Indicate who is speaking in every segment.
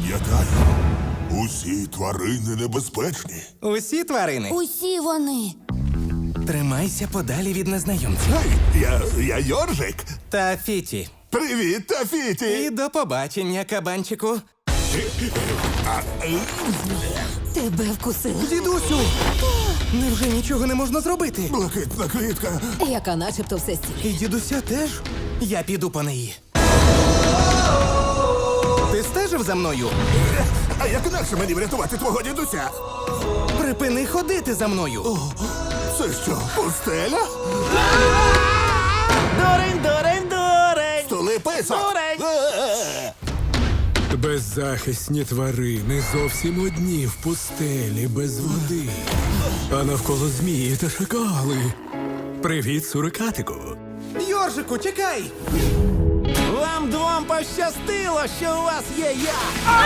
Speaker 1: Пам'ятай, усі тварини небезпечні.
Speaker 2: Усі тварини.
Speaker 3: Усі вони.
Speaker 2: Тримайся подалі від незнайомців.
Speaker 1: Я Йоржик.
Speaker 2: Та Фіті.
Speaker 1: Привіт, Тафіті.
Speaker 2: І до побачення, кабанчику.
Speaker 3: Тебе вкусили.
Speaker 2: Дідусю! Невже нічого не можна зробити?
Speaker 1: Блакитна квітка.
Speaker 3: Яка начебто все стіль.
Speaker 2: І дідуся теж? Я піду по неї. Ти стежив за мною?
Speaker 1: А як інакше мені врятувати твого дідуся?
Speaker 2: Припини ходити за мною.
Speaker 1: Це що, пустеля?
Speaker 2: Дурень, дурень, дурень!
Speaker 1: Столи писок.
Speaker 2: Дурень!
Speaker 4: Беззахисні тварини зовсім одні в пустелі без води. А навколо змії та шакали. Привіт, сурикатику.
Speaker 2: Йоржику, чекай! Вам двом пощастило, що у вас є я!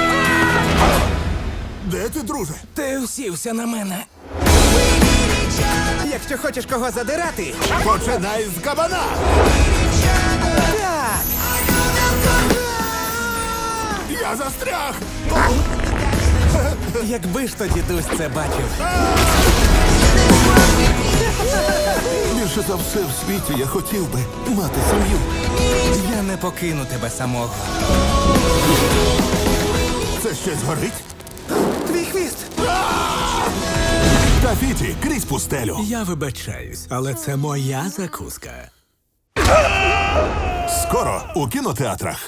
Speaker 1: Де ти, друже?
Speaker 2: Ти усівся на мене. Якщо хочеш кого задирати,
Speaker 1: Починай з кабана.
Speaker 2: так!
Speaker 1: Я застряг.
Speaker 2: Якби ж то дідусь це бачив.
Speaker 1: Більше за все в світі я хотів би мати сім'ю.
Speaker 2: Я не покину тебе самого.
Speaker 1: Це щось горить?
Speaker 2: Твій хвіст!
Speaker 1: Тафіті, крізь пустелю.
Speaker 4: Я вибачаюсь, але це моя закуска.
Speaker 1: Скоро у кінотеатрах.